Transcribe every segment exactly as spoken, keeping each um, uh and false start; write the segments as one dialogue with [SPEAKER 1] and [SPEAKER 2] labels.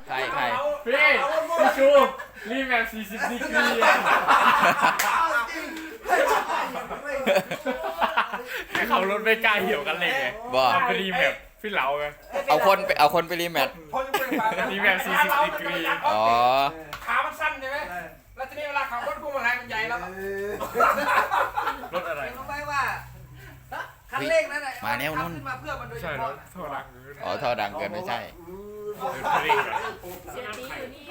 [SPEAKER 1] ใครใคร
[SPEAKER 2] พี่พี่ชูรีแมปสี่สิบดีกรีให้เขารถไม่กล้าเหี่ยวกันเลยไง
[SPEAKER 1] บ่
[SPEAKER 2] ทำไปรีแมปพี่เหลาไง
[SPEAKER 1] เอาคนไปเอาคนไปรีแมท
[SPEAKER 2] รีแมปสี่สิบดีกรี
[SPEAKER 1] อ๋อ
[SPEAKER 3] ขามันสั้นใช่ไหมแล้วทีนี้เวลาขับรถพวงมาลัยมันใหญ่แล้ว
[SPEAKER 2] รถอะไร
[SPEAKER 3] รู้ไหมว่าคันเร่งนั้นน่ะ
[SPEAKER 1] มาแนวนู้น
[SPEAKER 3] ขึ้นมาเพื่อมันโดยเฉ
[SPEAKER 2] ใช่ร
[SPEAKER 3] พาะ
[SPEAKER 2] ถโทษดัง
[SPEAKER 1] อ๋อท่อดังเกินไม่ใช่
[SPEAKER 4] เสียตีอยู่นี่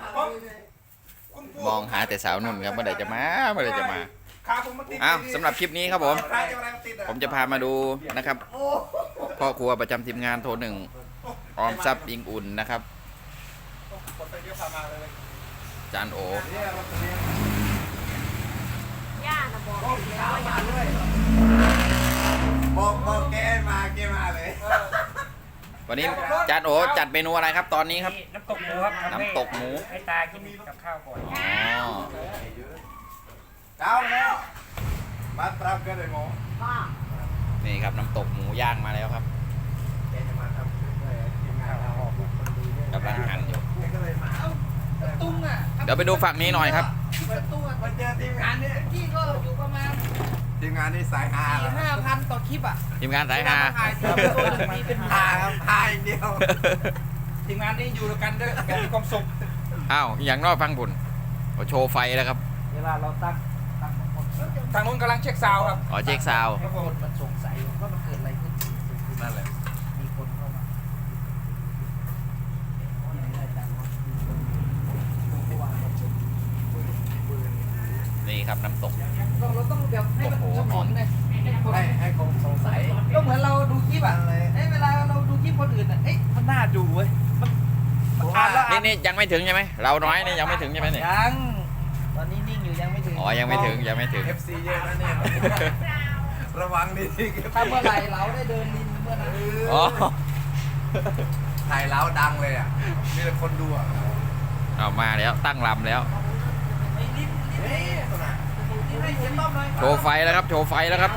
[SPEAKER 1] มองหาแต่สาวนุ่นครับเมื่อไหร่จะมาเมื่อไหร่จะมา
[SPEAKER 3] ขาผมมันติด
[SPEAKER 1] อ้าวสำหรับคลิปนี้ครับผม
[SPEAKER 3] ขาจะอะไรมันติดอ่ะ
[SPEAKER 1] ผมจะพามาดูนะครับพ่อครัวประจำทีมงานโทรหนึ่งออมทรัพย์ยิงอุ่นนะครับ
[SPEAKER 3] กดไปเดียวพามาเลย
[SPEAKER 1] จานโอ
[SPEAKER 4] ย่านะบอกแล้วว่าอย่าเลย
[SPEAKER 5] บอกบอกแกมาแกมาเลย
[SPEAKER 1] วันนี้จานโอจัดเมนูอะไรครับตอนนี้ครับ
[SPEAKER 3] น้ำตกหมูครับ
[SPEAKER 1] น้ำตกหมู
[SPEAKER 3] ให้ตากินกับข้าวก่อน
[SPEAKER 1] อ๋อ
[SPEAKER 5] เก้าแล้วมาปรับกันเลยหมอ
[SPEAKER 4] ป้า
[SPEAKER 1] นี่ครับน้ำตกหมูย่างมาแล้วครับ
[SPEAKER 5] แกจะมาทำด้วยทีมงานเราออกคนดูเนี่ย
[SPEAKER 1] กำลังหั่นอยู่
[SPEAKER 5] แกก็เลยมา
[SPEAKER 3] ตุ้งอ่ะ
[SPEAKER 1] เดี๋ยวไปดูฝั่งนี้หน่อยครับ
[SPEAKER 3] ตุ้งอ่ะ
[SPEAKER 5] มันเจอทีมงานเนี่ย
[SPEAKER 3] ที่ก็อยู่ประมาณ
[SPEAKER 5] ทีมงานนี่สายฮา
[SPEAKER 3] สี่ห้าพันต่อคลิปอ่ะ
[SPEAKER 1] ทีมงานสายฮา
[SPEAKER 3] ถ่ายทีตัวหนึ่งมีเป็น
[SPEAKER 5] ฮา
[SPEAKER 3] หา
[SPEAKER 5] ครับฮาอย่างเดียว
[SPEAKER 3] ทีมงานนี้อยู่ด้วยกันด้วยกันมีความสุข
[SPEAKER 1] อ้าวอย่างนอกฟังบุญโอ้โชว์ไฟแล้วครับ
[SPEAKER 3] เวลาเราตั้งตั้งทางนู้นกำลังเช็คซาวด์ครับ
[SPEAKER 1] อ๋อเช็คซาวด์
[SPEAKER 3] แล้วคนมันสงสัยว่ามันเกิดอะไรขึ้น
[SPEAKER 5] นั่นแหละ
[SPEAKER 3] มีคนเข้ามา
[SPEAKER 1] นี่ครับน้ำตก
[SPEAKER 3] เราเราต้องแบบให้มัน
[SPEAKER 1] โอ้โห
[SPEAKER 3] สมองเนี่ย
[SPEAKER 5] ให้ให้คงสงสัย
[SPEAKER 3] ก็เหมือนเราดูคลิปอ่ะเอ้ยเวลาเราดูคลิปคนอื่นอ่ะเอ้ยมันน่าดูเว้ยมันมันอ่านแล้วอ่า
[SPEAKER 1] นี่
[SPEAKER 3] น
[SPEAKER 1] นี่ยังไม่ถึงใช่ไหมเราน้อยนี่ยังไม่ถึงใช่ไหมเนี่ย
[SPEAKER 3] ยังตอนนี้นิ่งอยู่ยังไม่ถึง
[SPEAKER 1] อ๋อยังไม่ถึงยังไม่ถึง
[SPEAKER 5] เอฟซีเยอะนะเนี่ยระวังดีที่
[SPEAKER 3] ถ้าเมื่อไหร่เราได้เดินลินเมื่อนั้น
[SPEAKER 1] อ๋อ
[SPEAKER 5] ถ่ายแล้วดังเลยอ่ะมีแต่คนดูอ่ะ
[SPEAKER 1] เอามาแล้วตั้งลำแล้ว
[SPEAKER 3] ไอ้ลินลิน
[SPEAKER 5] เฮ้ยตัวไหน
[SPEAKER 3] ลินให้เสียงต้อมหน่อย
[SPEAKER 1] โชว์ไฟแล้วครับโชว์ไฟแล้วครับ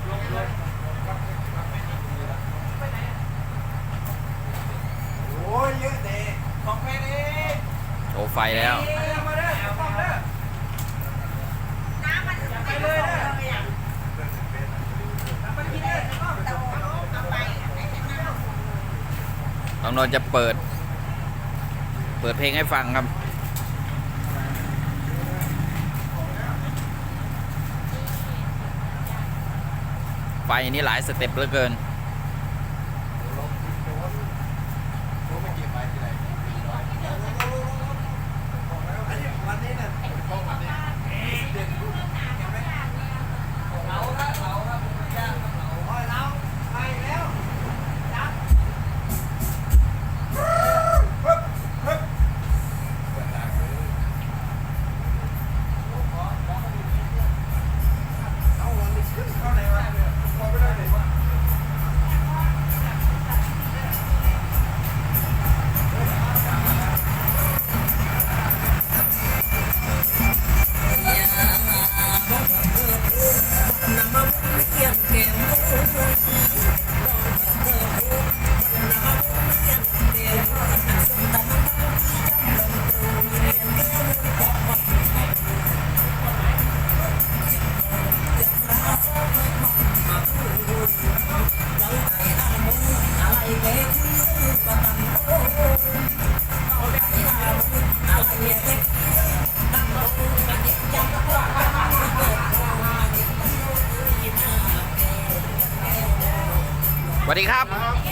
[SPEAKER 5] โอ้ยเยอะเด้
[SPEAKER 3] ของเพลงนี้
[SPEAKER 1] โชว์ไฟแล้ว
[SPEAKER 3] เอ้ยมาเด้อต้อมเด้อ
[SPEAKER 4] น้ำมันไปเลยอ่ะ
[SPEAKER 3] มันกินเด้อต้อม
[SPEAKER 4] แต่ว่าเอาไปไหนเห็นน้ำ
[SPEAKER 1] น้องนนท์จะเปิด เปิดเพลงให้ฟังครับ ไฟนี่หลายสเต็ปเหลือเกิน
[SPEAKER 5] วันนี้เนี่ยต้องวันนี้
[SPEAKER 3] เราละเราละผมย่างเรา
[SPEAKER 5] โอ้ยเราไปแล้วจับ เอาวันนี้ขึ้นเข้าไหนวะพอไม่ได้เลย
[SPEAKER 1] สวัสดีครับ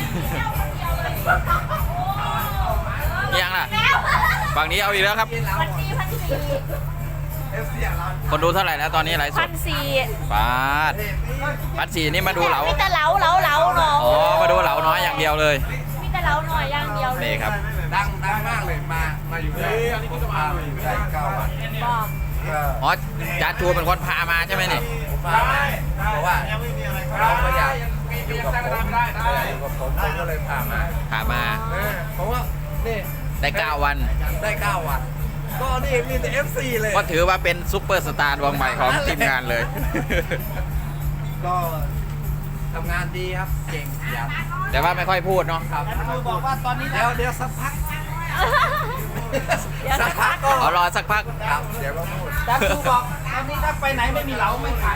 [SPEAKER 1] ยังล่ะ ฝั่งนี้เอาอีกแล้วครับ
[SPEAKER 4] พันสี่พันสี่
[SPEAKER 5] เอฟซีอ่ะเรา
[SPEAKER 1] คนดูเท่าไหร่แล้วตอนนี้ไลฟ์ส
[SPEAKER 4] พั
[SPEAKER 1] ด
[SPEAKER 4] นสี่
[SPEAKER 1] ปาดปัดสี่นี่มาดูเหลา
[SPEAKER 4] มีแต่เหลาเหลาเหลาเนาะ
[SPEAKER 1] อ๋อ มาดูเหลาน้อยอย่างเดียวเลย
[SPEAKER 4] มีแต่เหลาหน่อยอย่างเดียวเลย
[SPEAKER 1] นี่ครับ
[SPEAKER 5] ดังดังมากเลยมา มาอยู่ได้ผมพามาอยู่ได้เก้าวัน
[SPEAKER 4] บอก
[SPEAKER 5] ก็
[SPEAKER 1] อ๋อจานชูเป็นคนพามาใช่ไหมนี่
[SPEAKER 5] ผมพามาเพราะว่าเราก็อยากอยู่กับผมอยากอยู่กับผมผมก็เลยพามา
[SPEAKER 1] พามา
[SPEAKER 5] เออเพราะว่านี่
[SPEAKER 1] ได้เก้าวัน
[SPEAKER 5] ได้เก้าวัน ก็นี่มีแต่ เอฟ ซี เลย
[SPEAKER 1] ก็ถือว่าเป็นซุปเปอร์สตาร์ดวงใหม่ของทีมงานเลย
[SPEAKER 5] ก็ทำงานดีครับ เก่งขยัน
[SPEAKER 1] แต่ว่าไม่ค่อยพูดเนาะ
[SPEAKER 5] ครับ
[SPEAKER 3] ครูบอกว่าตอนนี้
[SPEAKER 5] เดี๋ยวเดี๋ยวสักพัก
[SPEAKER 4] เดี๋ยว
[SPEAKER 5] สั
[SPEAKER 4] สั
[SPEAKER 5] ก
[SPEAKER 4] ก
[SPEAKER 5] พั
[SPEAKER 4] พั
[SPEAKER 5] ก
[SPEAKER 4] ก
[SPEAKER 5] ก็
[SPEAKER 1] เอารอสักพัก
[SPEAKER 5] ครับเดี๋ยวก็พูด
[SPEAKER 3] จันทูบอกตอนนี้ถ้าไปไหนไม่มีเหลาไม่ขาย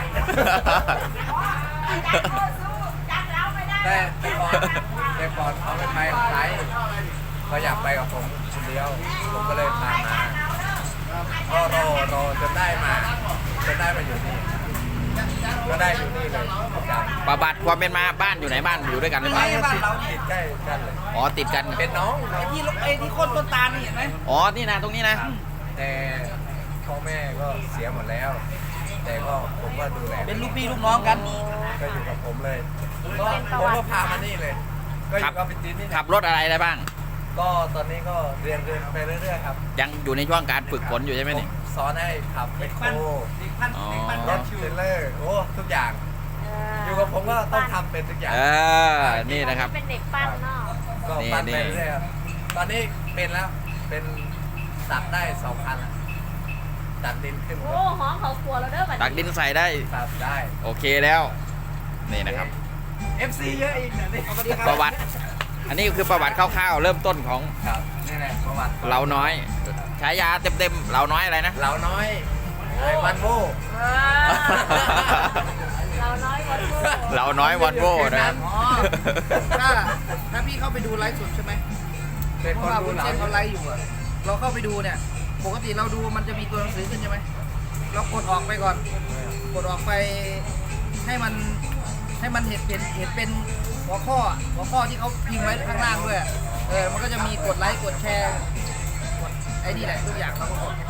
[SPEAKER 4] จักแล้วไม่ได้
[SPEAKER 5] แต่แต่ก่อนแต่ก่อนเขาไม่ไปกับใครเขาอยากไปกับผมคนเดียว ผมก็เลยพามา ก็รอรอจนได้มาจนได้มาอยู่นี่ ก็ได้อยู่นี่เลยครับ
[SPEAKER 1] ประวัติความเป็นมาบ้านอยู่ไหนบ้านอยู่ด้วยกันหรือเป
[SPEAKER 3] ไม่
[SPEAKER 1] ล่า
[SPEAKER 3] บ้านเรานี่
[SPEAKER 5] ติดใกล้กันเลย
[SPEAKER 1] อ๋อติดกัน
[SPEAKER 5] เป็นน้องน้อง
[SPEAKER 3] ที่ไอ้ที่โคนต้นตาลนี่เห็นไหม
[SPEAKER 1] อ๋อนี่นะตรงนี้นะ
[SPEAKER 5] แต่พ่อแม่ก็เสียหมดแล้ว แต่ก็ผมก็ดูแล
[SPEAKER 3] เป็นลูกพี่ลูกน้องกัน
[SPEAKER 5] ก็อยู่กับผมเลยก็ผมก็พามานี่เลย ก็อยู่กับพี่จีนนี่
[SPEAKER 1] ขับรถอะไรได้บ้าง
[SPEAKER 5] ก็ตอนนี้ก็เรียนเรียนไปเรื่อยๆครับ
[SPEAKER 1] ยังอยู่ในช่วงการฝึกฝนอยู่ใช่ไหมนี่
[SPEAKER 5] ผมสอนให้ขับเมคโคร
[SPEAKER 3] เด็กพัน
[SPEAKER 1] อ๋อ
[SPEAKER 3] เด็กพัน
[SPEAKER 5] ร
[SPEAKER 3] ร
[SPEAKER 5] ถ
[SPEAKER 3] ถ
[SPEAKER 5] เทรลเลอร์โอ้ทุกอย่าง อยู่กับผมก็ต้องทำเป็นทุกอย่าง
[SPEAKER 1] เออนี่นะครับ
[SPEAKER 4] เป็นเด็กปั้นเนาะ
[SPEAKER 5] ก็
[SPEAKER 1] นี่
[SPEAKER 5] ปั้น
[SPEAKER 1] นี่
[SPEAKER 5] ไปเรื่อยๆครับตอนนี้เป็นแล้วเป็นตัดได้สองคันแล้วตัดดินขึ้น
[SPEAKER 4] โอ้หอมเขาครัวเราเด้อบัด
[SPEAKER 1] ตักดินใส่ได้
[SPEAKER 5] ตัดได้
[SPEAKER 1] โอเคแล้ว นี่นะครับ
[SPEAKER 3] เอฟซีเยอะอีกเนี่ยนี่สวัสดีครับ
[SPEAKER 1] ประวัติ อันนี้คือประวัติคร่าวๆเริ่มต้นของ
[SPEAKER 5] ครับนี่แหละประวัติ
[SPEAKER 1] เราน้อยฉายาเต็มๆเราน้อยอะไรนะ
[SPEAKER 5] เราน้อยไอ้วันโว
[SPEAKER 4] เออเราน้อยกว่าลูก
[SPEAKER 1] เราน้อยวอนโว่นะครับ
[SPEAKER 3] อ๋อถ้าถ้าพี่เข้าไปดูไลฟ์สดใช่ไหม
[SPEAKER 5] เป็น
[SPEAKER 3] เพ
[SPEAKER 5] ค
[SPEAKER 3] ราะ
[SPEAKER 5] น
[SPEAKER 3] ว่า
[SPEAKER 5] ดู
[SPEAKER 3] คุณ
[SPEAKER 5] เรา
[SPEAKER 3] เช่นเขาไลฟ์อยู่อะเราเข้าไปดูเนี่ย ปกติเราดูมันจะมีตัวหนังสือขึ้นใช่ไหมเรากดออกไปก่อน กดออกไปให้มันให้มันเห็นเป็นเห็นเป็นหัวข้อหัวข้อที่เขาพิมพ์ไว้ข้างล่างด้วยอะเออมันก็จะมีกดไลค์กดแชร์กดไอ้นี่แหละทุกอย่างเราก็กด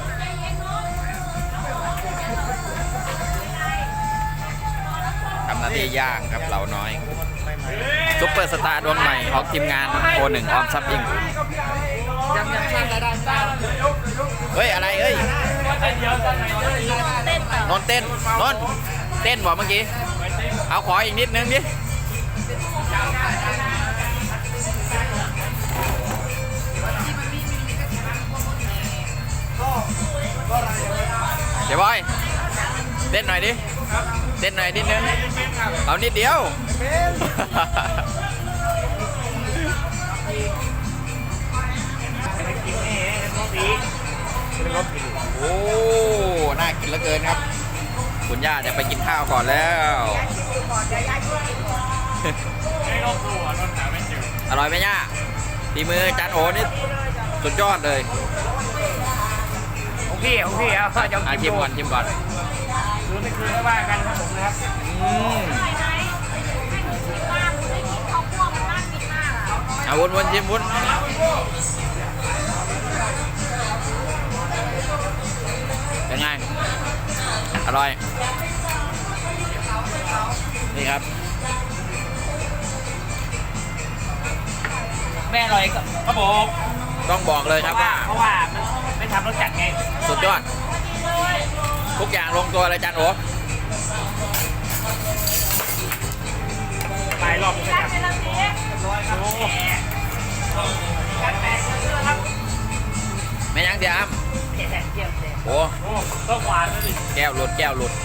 [SPEAKER 1] ทำหน้าที่ย่างครับเราน้อยซุปเปอร์สตาร์ดวงใหม่ของทีมงานโคหนึ่งออมซับอิง
[SPEAKER 3] ยังยังสร้างรายได้ไม่ได้
[SPEAKER 1] เฮ้ยอะไรเอ้ย
[SPEAKER 2] เดียวกันไหนเด้อ
[SPEAKER 4] เต้นต่อน
[SPEAKER 1] นท์เต้นนนท์เต้นบอกเมื่อกี้ เอาขออีกนิดนึงดิ เดี๋ยวบอย เต้นหน่อยดิ เต้นหน่อยนิดนึง เอานิดเดียว โอ้ น่ากินเหลือเกินครับ คุณย่าจะไปกินข้าวก่อนแล้ว
[SPEAKER 2] ให้รอบตัวรถหาไม่เจอ
[SPEAKER 1] อร่อยไหมย่าฝีมือจานโอนี่สุดยอดเลย
[SPEAKER 2] โอเคโอเคเอาจะ
[SPEAKER 1] อาชิมก่อนชิมก่อน
[SPEAKER 2] คืนไม่คืนไม่ว่ากันครับผมนะครับ
[SPEAKER 1] อืม
[SPEAKER 4] ไหนไหนบ้านได้กินข้าวคั่วมันน่ากินมากอ่ะ
[SPEAKER 1] เอาวนวนชิมวนเป็นไง อร่อย นี่ครับ
[SPEAKER 2] แม่อร่อยครับผม
[SPEAKER 1] ต้องบอกเลยครับว่า
[SPEAKER 2] เพราะว่ามันไม่ทำรสจัดไง
[SPEAKER 1] สุดยอด ทุกอย่างลงตัวเลยจานโอ
[SPEAKER 2] หลายรอบเลย
[SPEAKER 4] จั
[SPEAKER 2] ค
[SPEAKER 4] ด
[SPEAKER 2] รับ
[SPEAKER 4] เป็นละที
[SPEAKER 2] โอ้
[SPEAKER 4] กันแตกเยอะครับ
[SPEAKER 1] ไม่ยังเสียอ้ำ
[SPEAKER 4] เที่ยวเที่ยว
[SPEAKER 1] โอ้
[SPEAKER 2] โหต้องหวานนะดิ
[SPEAKER 1] แก้วหลุดแก้วหลุด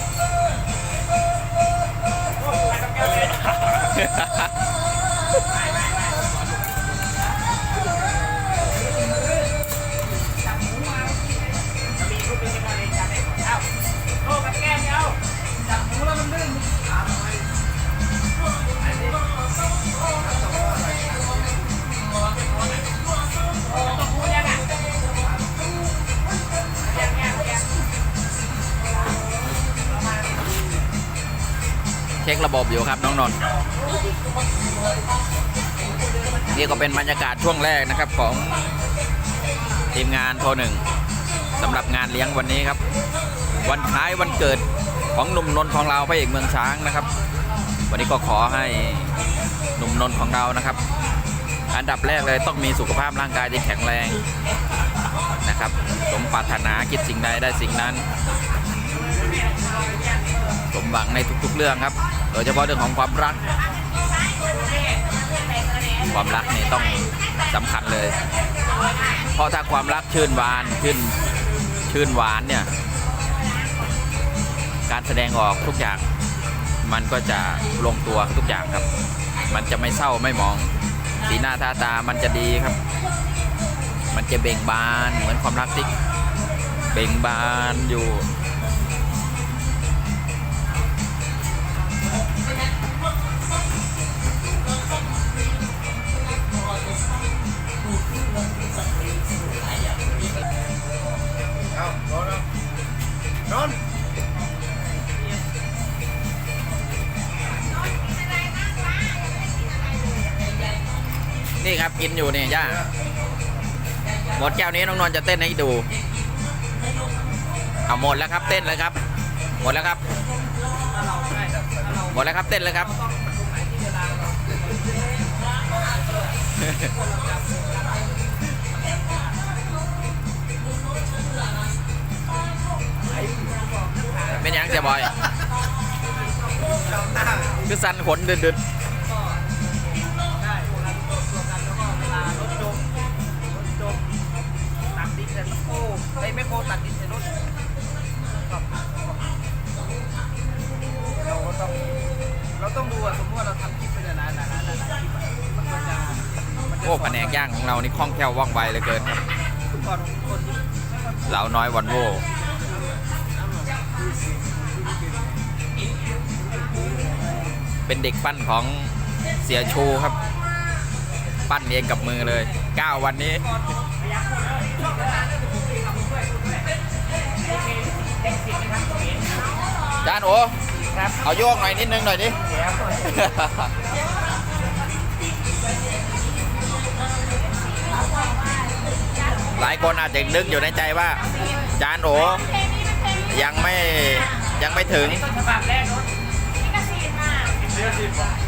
[SPEAKER 2] โอ้กับแก้มเอา
[SPEAKER 3] จับหมูแล้วมันลื่น
[SPEAKER 1] เช็คระบบอยู่ครับน้องนนท์นี่ก็เป็นบรรยากาศช่วงแรกนะครับของทีมงานโทรหนึ่งสำหรับงานเลี้ยงวันนี้ครับ วันคล้ายวันเกิดของหนุ่มนนท์ของเราพระเอกเมืองช้างนะครับ วันนี้ก็ขอให้หนุ่มนนท์ของเรานะครับ อันดับแรกเลยต้องมีสุขภาพร่างกายที่แข็งแรงนะครับสมปรารถนาคิดสิ่งใดได้สิ่งนั้น สมหวังในทุกๆเรื่องครับ โดยเฉพาะเรื่องของความรัก ความรักนี่ต้องสำคัญเลย เพราะถ้าความรักชื่นหวานชื่นชื่นหวานเนี่ย การแสดงออกทุกอย่าง มันก็จะลงตัวทุกอย่างครับ มันจะไม่เศร้าไม่หมอง สีหน้าท่าตามันจะดีครับมันจะเบ่งบานเหมือนความรักที่เบ่งบานอยู่นี่ครับกินอยู่เนี่ยย่าหมดแก้วนี้น้องนนท์จะเต้นให้ดูเอาหมดแล้วครับเต้นเลยครับหมดแล้วครับหมดแล้วครับเต้นเลยครับ เป็นยังเสียบอยคือสันขนดึดดึด
[SPEAKER 3] ตัดดินเสร็จโอ้ไอ้แมคโครตัดดินเสร็จรถเราก็ต้องเราต้องดูอะสมมติว่าเราทำคลิปไปนานๆนานๆนานๆคลิปอะมันก็จะมันจะ
[SPEAKER 1] โอ้แผนกย่างของเรานี่คล่องแคล่วว่องไวเหลือเกินครับ
[SPEAKER 3] ก่อนคนที่
[SPEAKER 1] เหลาน้อยวันโวเป็นเด็กปั้นของเสียชูครับ ปั้นเองกับมือเลยเก้าวันนี้จานโอเอาโยกหน่อยนิดนึงหน่อยดิ หลายคนอาจจะนึกอยู่ในใจว่า จานโอยังไม่ยังไม่ถึง
[SPEAKER 4] นี่ก็ฉีดมา